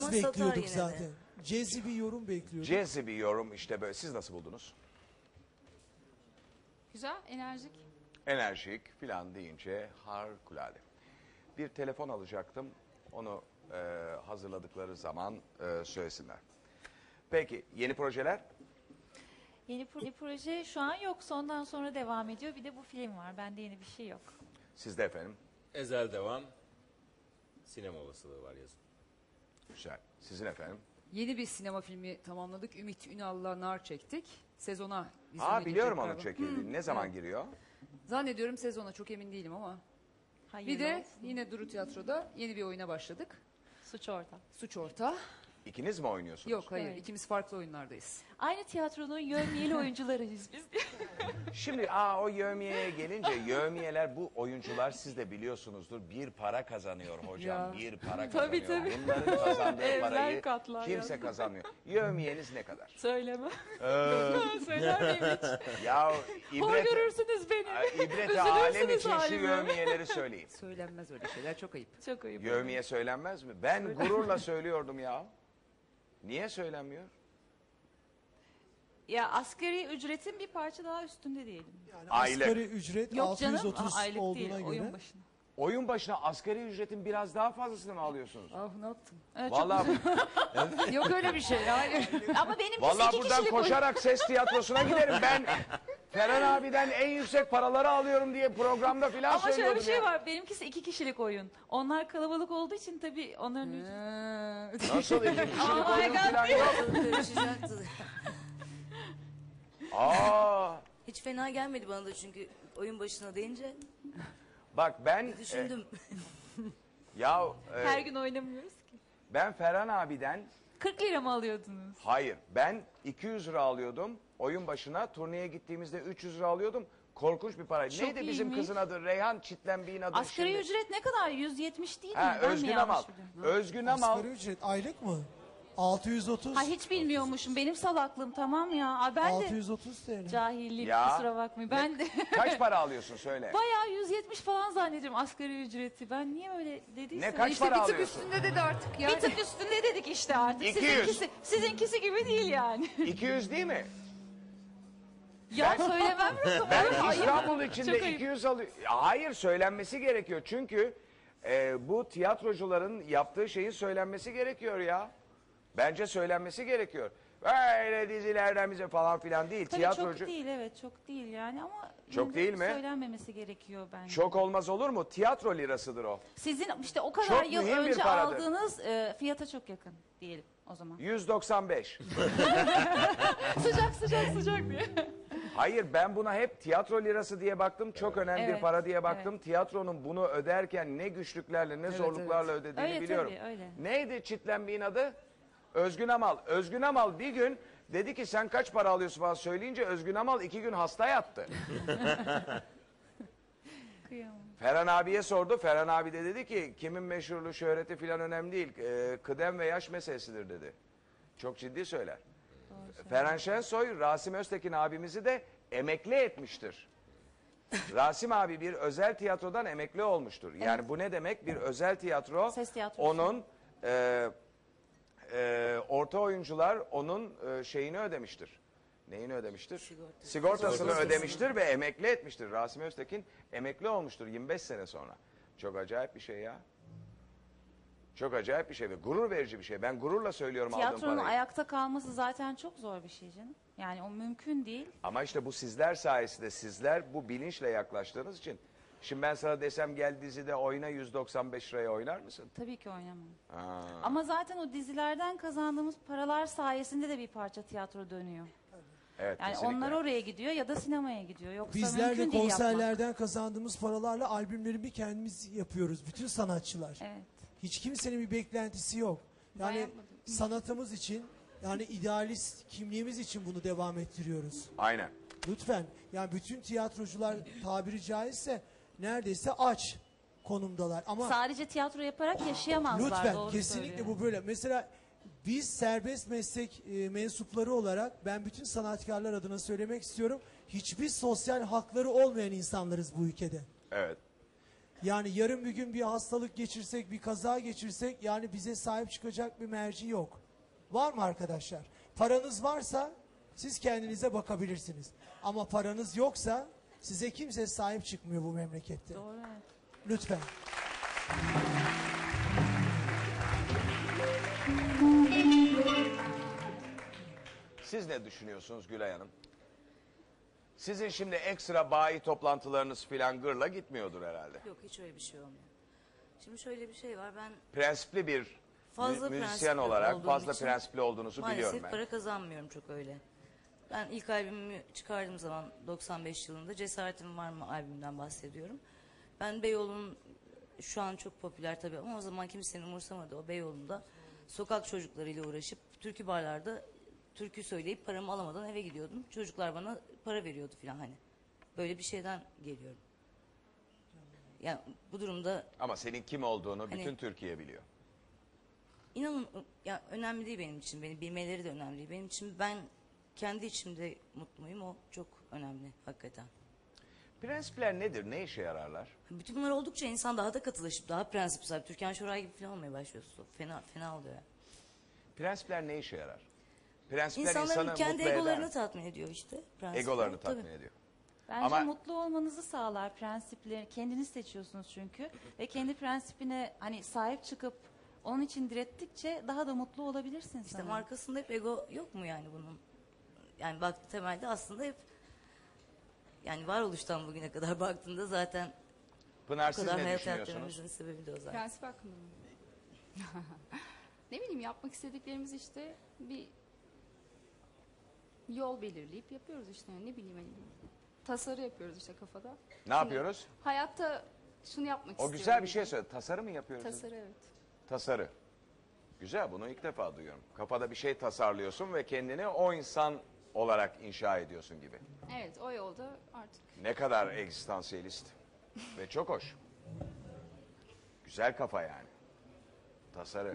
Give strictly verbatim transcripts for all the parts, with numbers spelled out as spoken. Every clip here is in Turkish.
zaman bekliyorduk satar yine zaten. de. Cezi bir yorum bekliyorduk. Cezi bir yorum işte böyle. Siz nasıl buldunuz? Güzel, enerjik. Enerjik filan deyince harikulade. Bir telefon alacaktım. Onu e, hazırladıkları zaman e, söylesinler. Peki yeni projeler? Yeni pro- proje şu an yok. Sondan sonra devam ediyor. Bir de bu film var. Bende yeni bir şey yok. Sizde efendim? Ezel devam. Sinema olasılığı var yazın. Güzel. Sizin efendim? Yeni bir sinema filmi tamamladık. Ümit Ünal'la Nar çektik. Sezona vizyona Aa biliyorum girecek onun galiba. çekildiğini. Ne zaman evet. giriyor? Zannediyorum sezona, çok emin değilim ama. Hayırlı Bir de olsun. yine Duru Tiyatro'da yeni bir oyuna başladık. Suç orta. Suç Orta. İkiniz mi oynuyorsunuz? Yok hayır, Evet. ikimiz farklı oyunlardayız. Aynı tiyatronun yövmiyeli oyuncularıyız biz. Şimdi aa o yövmiyeye gelince yövmiyeler bu oyuncular siz de biliyorsunuzdur bir para kazanıyor hocam Ya. bir para Tabii, kazanıyor. tabii. Bunların kazandığı Evler parayı katlar kimse ya. kazanmıyor. Yövmiyeniz ne kadar? Söyleme. Ee, Söyler miyim hiç? ya Hor ibret, görürsünüz beni. Ay, ibreti Üzülürsünüz alem için şu halime. yövmiyeleri söyleyin. Söylenmez öyle şeyler, çok ayıp. Çok ayıp. Yövmiye söylenmez mi? Ben gururla söylüyordum ya. Niye söylenmiyor? Ya asgari ücretin bir parça daha üstünde diyelim. Yani Aylık. asgari ücret Yok canım, altı yüz otuz aa, aylık olduğuna değil, göre. oyun başına. Oyun başına asgari ücretin biraz daha fazlasını mı alıyorsunuz? Ah ne yaptın? Evet, çok- Vallahi Yok öyle bir şey, hayır. Ama benimkisi vallahi iki buradan kişilik oyun. koşarak ses tiyatrosuna giderim. Ben Ferhan abiden en yüksek paraları alıyorum diye programda filan Ama şöyle söylüyordum bir şey ya. var. Benimkisi iki kişilik oyun. Onlar kalabalık olduğu için tabii onların ücreti. Ee, Nasıl iki kişilik Oh my oyun God. filan yok. Karışacaktı. Aa, Hiç fena gelmedi bana da çünkü oyun başına deyince bak ben e, düşündüm. ya e, Her gün oynamıyoruz ki. ben Ferhan abiden kırk lira mı alıyordunuz? hayır ben iki yüz lira alıyordum. Oyun başına turneye gittiğimizde üç yüz lira alıyordum. Korkunç bir paraydı. Çok Neydi bizim iyiymiş. kızın adı? Reyhan Çitlenbi'nin adı. Asgari şimdi. ücret ne kadar? yüz yetmiş değil mi? Ha, Ben mi Özgün yanlış Amal. biliyorum? Özgün Amal. Asgari ücret aylık mı? altı yüz otuz. Ha hiç bilmiyormuşum. Benim salaklığım tamam ya. Aa, ben altı de yüz otuz T L. cahillik Ya. kusura bakmayın. Ben de Kaç para alıyorsun söyle. bayağı yüz yetmiş falan zannediyorum asgari ücreti. Ben niye öyle dediysem. Ne kaç işte para bir tık alıyorsun? üstünde dedi artık yani. Bir tık üstünde dedik işte artık. iki yüz. Sizinkisi, sizinkisi gibi değil yani. iki yüz değil mi? Ya söylemem lazım. Ben Ayıp. İstanbul içinde Çok ayıp. iki yüz alıyor. Hayır söylenmesi gerekiyor. Çünkü e, bu tiyatrocuların yaptığı şeyin söylenmesi gerekiyor ya. Bence söylenmesi gerekiyor. Böyle dizilerden bize falan filan değil. Tabii Tiyatrocu çok değil evet çok değil yani ama Çok yine de değil mi? söylenmemesi gerekiyor bence. çok olmaz olur mu? Tiyatro lirasıdır o. Sizin işte o kadar Çok yıl mühim bir önce paradır. aldığınız e, fiyata çok yakın diyelim o zaman. yüz doksan beş. Sıcak sıcak sıcak diye. Hayır ben buna hep tiyatro lirası diye baktım. Çok önemli bir Evet, para diye baktım. Tiyatronun bunu öderken ne güçlüklerle ne zorluklarla ödediğini Öyle biliyorum. tabii, öyle. Neydi Çitlenbi'nin adı? Özgün Amal. Özgün Amal bir gün dedi ki sen kaç para alıyorsun falan söyleyince Özgün Amal iki gün hasta yattı. Kıyamam. Ferhan abiye sordu. Ferhan abi de dedi ki kimin meşhurluğu şöhreti falan önemli değil. Ee, kıdem ve yaş meselesidir dedi. Çok ciddi söyler. Ferhan Şensoy, Rasim Öztekin abimizi de emekli etmiştir. Rasim abi bir özel tiyatrodan emekli olmuştur. Yani bu ne demek? Bir özel tiyatro, Ses tiyatrosu. onun e, e, orta oyuncular onun e, şeyini ödemiştir. Neyini ödemiştir? Sigorta. Sigortasını Sigortasını. ödemiştir ve emekli etmiştir. Rasim Öztekin emekli olmuştur yirmi beş sene sonra. Çok acayip bir şey ya. Çok acayip bir şey ve gurur verici bir şey. Ben gururla söylüyorum aldığım Tiyatronun parayı. ayakta kalması zaten çok zor bir şey canım. Yani o mümkün değil. Ama işte bu sizler sayesinde sizler bu bilinçle yaklaştığınız için. Şimdi ben sana desem gel dizide oyna yüz doksan beş liraya oynar mısın? Tabii ki oynamam. Ha. Ama zaten o dizilerden kazandığımız paralar sayesinde de bir parça tiyatro dönüyor. Evet, Yani kesinlikle. onlar oraya gidiyor ya da sinemaya gidiyor. Yoksa Bizler de mümkün değil yapmak. konserlerden kazandığımız paralarla albümlerimi kendimiz yapıyoruz. Bütün sanatçılar. Evet. Hiç kimsenin bir beklentisi yok. Yani yapmadım. sanatımız için, yani idealist kimliğimiz için bunu devam ettiriyoruz. Aynen. Lütfen. Yani bütün tiyatrocular tabiri caizse neredeyse aç konumdalar. Ama Sadece tiyatro yaparak yaşayamazlar. lütfen doğru kesinlikle söylüyor. bu böyle. Mesela biz serbest meslek e, mensupları olarak ben bütün sanatkarlar adına söylemek istiyorum. Hiçbir sosyal hakları olmayan insanlarız bu ülkede. Evet. Yani yarın bir gün bir hastalık geçirsek, bir kaza geçirsek yani bize sahip çıkacak bir merci yok. Var mı arkadaşlar? Paranız varsa siz kendinize bakabilirsiniz. Ama paranız yoksa size kimse sahip çıkmıyor bu memlekette. Doğru, evet. Lütfen. Siz ne düşünüyorsunuz Gülay Hanım? Sizin şimdi ekstra bayi toplantılarınız filan gırla gitmiyordur herhalde. Yok, hiç öyle bir şey olmuyor. Şimdi şöyle bir şey var. Ben Prensipli bir fazla mü- müzisyen prensipli olarak olduğum fazla için prensipli olduğunuzu biliyorum maalesef ben. para kazanmıyorum çok öyle. Ben ilk albümümü çıkardığım zaman doksan beş yılında Cesaretim Var mı albümünden bahsediyorum. Ben Beyoğlu'nun şu an çok popüler tabii ama o zaman kimsenin umursamadı. O Beyoğlu'nda sokak çocuklarıyla uğraşıp türkü barlarda türkü söyleyip paramı alamadan eve gidiyordum. Çocuklar bana para veriyordu falan hani. Böyle bir şeyden geliyorum. Yani bu durumda Ama senin kim olduğunu Hani- bütün Türkiye biliyor. İnanın ya önemli değil benim için. Beni bilmeleri de önemli değil. Benim için ben kendi içimde mutluyum. O çok önemli hakikaten. Prensipler nedir? Ne işe yararlar? Bütün bunlar oldukça insan daha da katılaşıp daha prensip sahibi. Türkan Şoray gibi falan olmaya başlıyorsun. Fena fena oluyor. Yani. Prensipler ne işe yarar? Prensipler İnsanların insanı kendi mutlu egolarını eder. tatmin ediyor işte. Prensipler. Egolarını Tabii. tatmin ediyor. Bence Ama- mutlu olmanızı sağlar prensipleri. Kendiniz seçiyorsunuz çünkü. Ve kendi prensipine hani sahip çıkıp onun için direttikçe daha da mutlu olabilirsin İşte sanırım. markasında hep ego yok mu yani bunun? Yani baktı temelde aslında hep yani varoluştan bugüne kadar baktığında zaten Pınar bu siz kadar ne hayat düşünüyorsunuz? hayatlarımızın sebebi de o zaten. Prensip hakkında mı? Ne bileyim yapmak istediklerimiz işte bir yol belirleyip yapıyoruz işte ne bileyim hani tasarı yapıyoruz işte kafada. Ne yapıyoruz? Hayatta şunu yapmak O istiyorum. güzel bir şey söyle. Tasarı mı yapıyoruz? Tasarı evet. Tasarı. Güzel, bunu ilk defa duyuyorum. Kafada bir şey tasarlıyorsun ve kendini o insan olarak inşa ediyorsun gibi. Evet o yolda artık. Ne kadar egzistansiyelist ve çok hoş. Güzel kafa yani. Tasarı.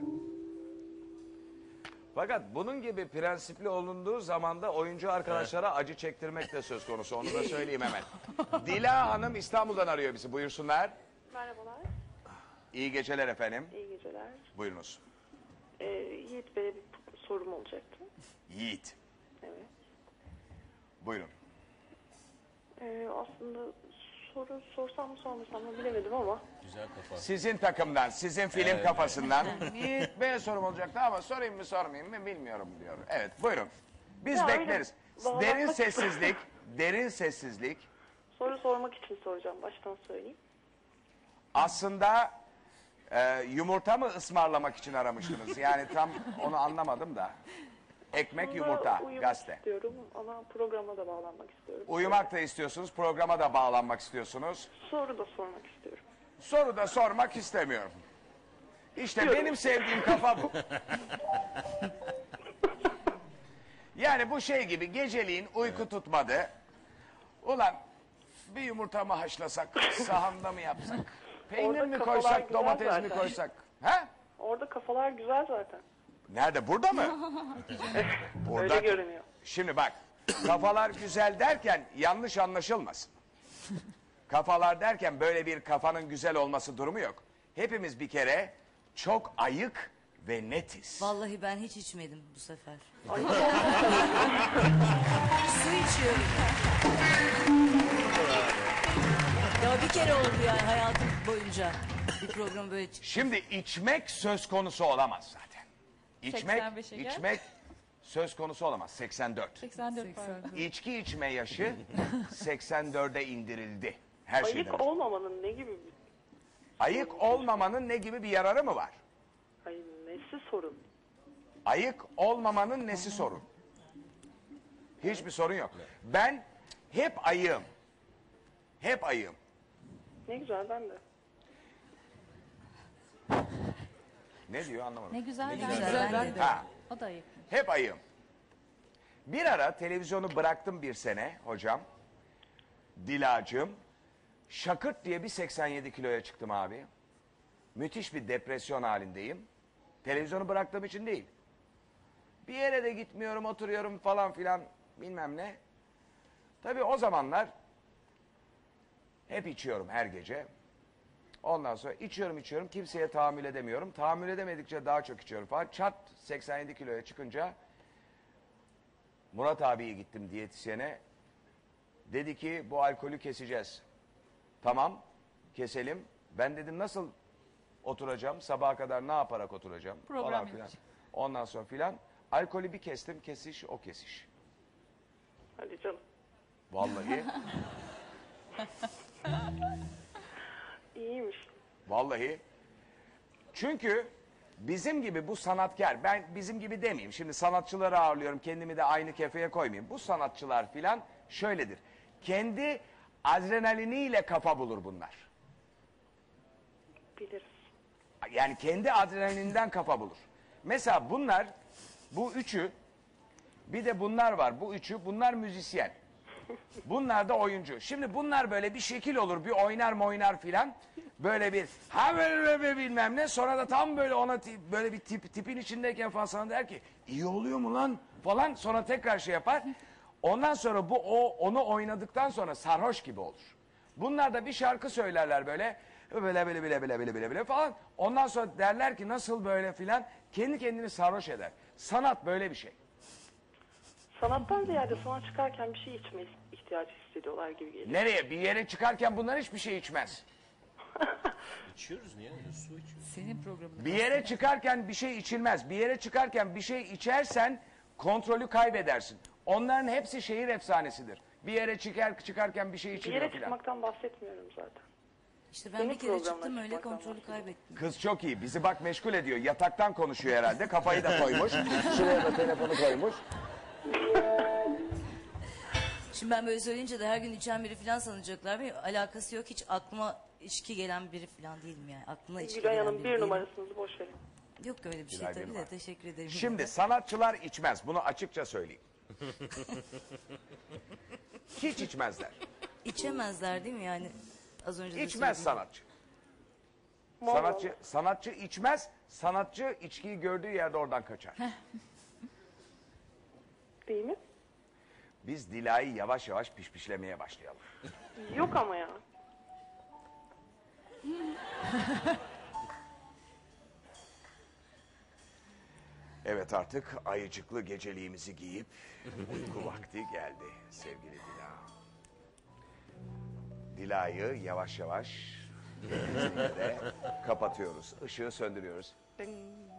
Fakat bunun gibi prensipli olunduğu zaman da oyuncu arkadaşlara acı çektirmek de söz konusu. Onu da söyleyeyim hemen. Dila Hanım İstanbul'dan arıyor bizi. Buyursunlar. Merhabalar, İyi geceler efendim. iyi geceler. Buyurunuz. Ee, Yiğit Bey'e bir sorum olacaktı. Yiğit. Evet. Buyurun. Ee, aslında soru sorsam mı sormasam mı bilemedim ama Güzel kafa. Sizin takımdan, sizin film kafasından Yiğit Bey'e sorum olacaktı ama sorayım mı sormayayım mı bilmiyorum diyor. Evet buyurun. Biz Ya öyle bekleriz. bağlanmak Derin istiyorum. sessizlik, derin sessizlik. soru sormak için soracağım, baştan söyleyeyim. Aslında e, yumurta mı ısmarlamak için aramıştınız? Yani tam onu anlamadım da. Ekmek, Aslında yumurta, uyumak gazete. istiyorum ama programa da bağlanmak istiyorum. Uyumak da istiyorsunuz, programa da bağlanmak istiyorsunuz. Soru da sormak istiyorum. Soru da sormak istemiyorum. İşte Diyorum. benim sevdiğim kafa bu. Yani bu şey gibi geceliğin uyku tutmadı. Ulan bir yumurta mı haşlasak, sahanda mı yapsak? Peynir Orada mi kafalar koysak, güzel domates mi zaten. koysak? Ha? Orada kafalar güzel zaten. Nerede? Burada mı? Burada. Öyle görünüyor. Şimdi bak, kafalar güzel derken yanlış anlaşılmasın. Kafalar derken böyle bir kafanın güzel olması durumu yok. Hepimiz bir kere çok ayık ve netiz. Vallahi ben hiç içmedim bu sefer. Su içiyorum. Ya bir kere oldu yani hayatım boyunca bir program böyle çıktı. Şimdi içmek söz konusu olamaz zaten. İçmek, seksen beşe gel. içmek söz konusu olamaz. seksen dört. seksen dört pardon. İçki içme yaşı seksen dörde indirildi. Her şeyden. Ayık önce. olmamanın ne gibi bir... Ayık olmamanın ne gibi bir yararı mı var? Ay, nesi sorun? Ayık olmamanın nesi sorun? Hiçbir sorun yok. Ben hep ayığım. Hep ayığım. Ne güzel, ben de. Ne diyor anlamadım. Ne güzel, Ne ben güzel, de. ben de. Ha, O da ayıp. hep ayığım. Bir ara televizyonu bıraktım bir sene hocam. Dilacığım. Şakırt diye bir seksen yedi kiloya çıktım abi. Müthiş bir depresyon halindeyim. Televizyonu bıraktığım için değil. Bir yere de gitmiyorum, oturuyorum falan filan bilmem ne. Tabii o zamanlar hep içiyorum her gece. Ondan sonra içiyorum içiyorum kimseye tahammül edemiyorum. Tahammül edemedikçe daha çok içiyorum falan. Çat seksen yedi kiloya çıkınca Murat abiye gittim diyetisyene. Dedi ki bu alkolü keseceğiz. Tamam keselim. Ben dedim nasıl oturacağım? Sabaha kadar ne yaparak oturacağım? Program falan filan. yapacağım. Ondan sonra filan. Alkolü bir kestim kesiş o kesiş. Hadi canım. Vallahi. İyiymiş. Vallahi. Çünkü bizim gibi bu sanatkar, ben bizim gibi demeyeyim. Şimdi sanatçıları ağırlıyorum, kendimi de aynı kefeye koymayayım. Bu sanatçılar filan şöyledir. Kendi adrenaliniyle kafa bulur bunlar. Biliriz. Yani kendi adrenalinden kafa bulur. Mesela bunlar, bu üçü, bir de bunlar var. Bu üçü, bunlar müzisyen. Bunlar da oyuncu. Şimdi bunlar böyle bir şekil olur, bir oynar mı oynar filan. Böyle bir ha böyle, böyle bilmem ne. Sonra da tam böyle ona ti- böyle bir tip, tipin içindeyken falan sana der ki iyi oluyor mu lan falan. Sonra tekrar şey yapar. Ondan sonra bu o onu oynadıktan sonra sarhoş gibi olur. Bunlar da bir şarkı söylerler böyle. Böyle böyle böyle böyle böyle böyle böyle falan. Ondan sonra derler ki nasıl böyle filan. Kendi kendini sarhoş eder. Sanat böyle bir şey. Sanattan ziyade sonra çıkarken bir şey içme ihtiyacı hissediyorlar gibi geliyor. Nereye? Bir yere çıkarken bunlar hiçbir şey içmez. İçiyoruz niye? Su içiyoruz. Senin programın. Bir yere çıkarken bir şey içilmez. Bir yere çıkarken bir şey içersen kontrolü kaybedersin. Onların hepsi şehir efsanesidir. Bir yere çıkar, çıkarken bir şey Bir içiliyor yere filan. çıkmaktan bahsetmiyorum zaten. İşte ben Senin bir kere programına çıktım öyle çıkmaktan kontrolü bahsediyorum. kaybettim. Kız çok iyi. Bizi bak meşgul ediyor. Yataktan konuşuyor herhalde. Kafayı da koymuş. Şuraya da telefonu koymuş. Şimdi ben böyle söyleyince de her gün içen biri falan sanacaklar. Ve alakası yok. Hiç aklıma içki gelen biri falan değilim yani. Aklına içki Gülay gelen Hanım biri bir değilim. numarasınız boş verin. Yok öyle bir şey Gülay tabii bir de numara. teşekkür ederim. Şimdi sanatçılar içmez. Bunu açıkça söyleyeyim. Hiç içmezler. İçemezler değil mi yani? Az önce de İçmez söyledim. sanatçı. Sanatçı sanatçı içmez. Sanatçı içkiyi gördüğü yerde oradan kaçar. Değil mi? Biz Dila'yı yavaş yavaş pişpişlemeye başlayalım. Yok ama ya. Evet artık ayıcıklı geceliğimizi giyip uyku vakti geldi sevgili Dila. Dila'yı yavaş yavaş de kapatıyoruz. Işığı söndürüyoruz. Ding.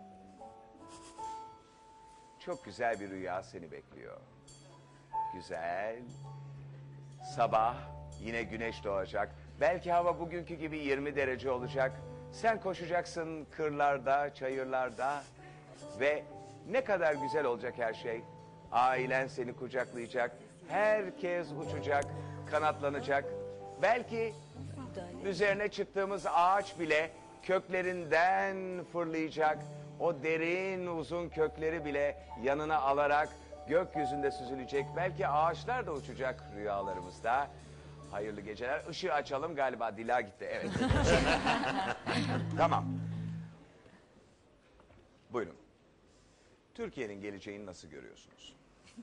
Çok güzel bir rüya seni bekliyor. Güzel. Sabah yine güneş doğacak. Belki hava bugünkü gibi yirmi derece olacak. Sen koşacaksın kırlarda, çayırlarda ve ne kadar güzel olacak her şey. Ailen seni kucaklayacak. Herkes uçacak, kanatlanacak. Belki üzerine çıktığımız ağaç bile köklerinden fırlayacak. O derin uzun kökleri bile yanına alarak gökyüzünde süzülecek. Belki ağaçlar da uçacak rüyalarımızda. Hayırlı geceler. Işığı açalım galiba. Dila gitti. Evet. Tamam. Buyurun. Türkiye'nin geleceğini nasıl görüyorsunuz?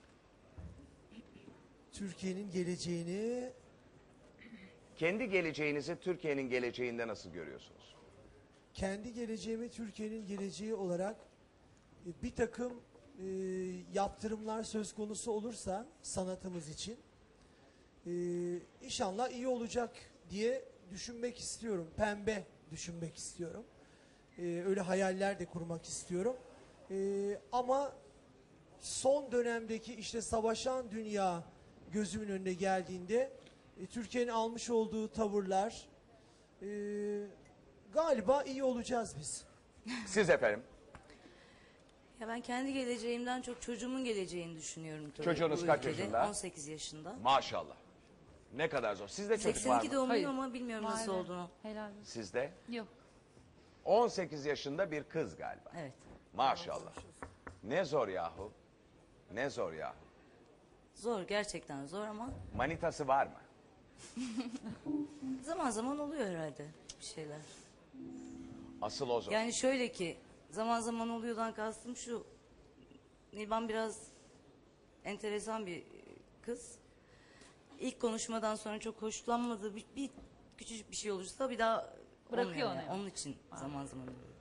Türkiye'nin geleceğini Kendi geleceğinizi Türkiye'nin geleceğinde nasıl görüyorsunuz? kendi geleceğimi Türkiye'nin geleceği olarak e, bir takım e, yaptırımlar söz konusu olursa sanatımız için e, inşallah iyi olacak diye düşünmek istiyorum. Pembe düşünmek istiyorum. E, öyle hayaller de kurmak istiyorum. E, ama son dönemdeki işte savaşan dünya gözümün önüne geldiğinde e, Türkiye'nin almış olduğu tavırlar e, galiba iyi olacağız biz. Siz efendim? Ya ben kendi geleceğimden çok çocuğumun geleceğini düşünüyorum. Tabii Çocuğunuz bu kaç ülkede. yaşında? on sekiz yaşında. Maşallah. Ne kadar zor. Sizde çocuk var seksen iki mı? doğumluyum Hayır. ama bilmiyorum nasıl Vay be. olduğunu. Helal olsun. Sizde? Yok. on sekiz yaşında bir kız galiba. Evet. Maşallah. Ne zor yahu. Ne zor yahu. Zor gerçekten zor ama Manitası var mı? zaman zaman oluyor herhalde bir şeyler. Asıl o zor. Yani şöyle ki zaman zaman oluyordan kastım şu. Nilban biraz enteresan bir kız. İlk konuşmadan sonra çok hoşlanmadığı bir, bir küçücük bir şey olursa bir daha Olmuyor Bırakıyor yani. onu. Onun için zaman zaman ölüyorum.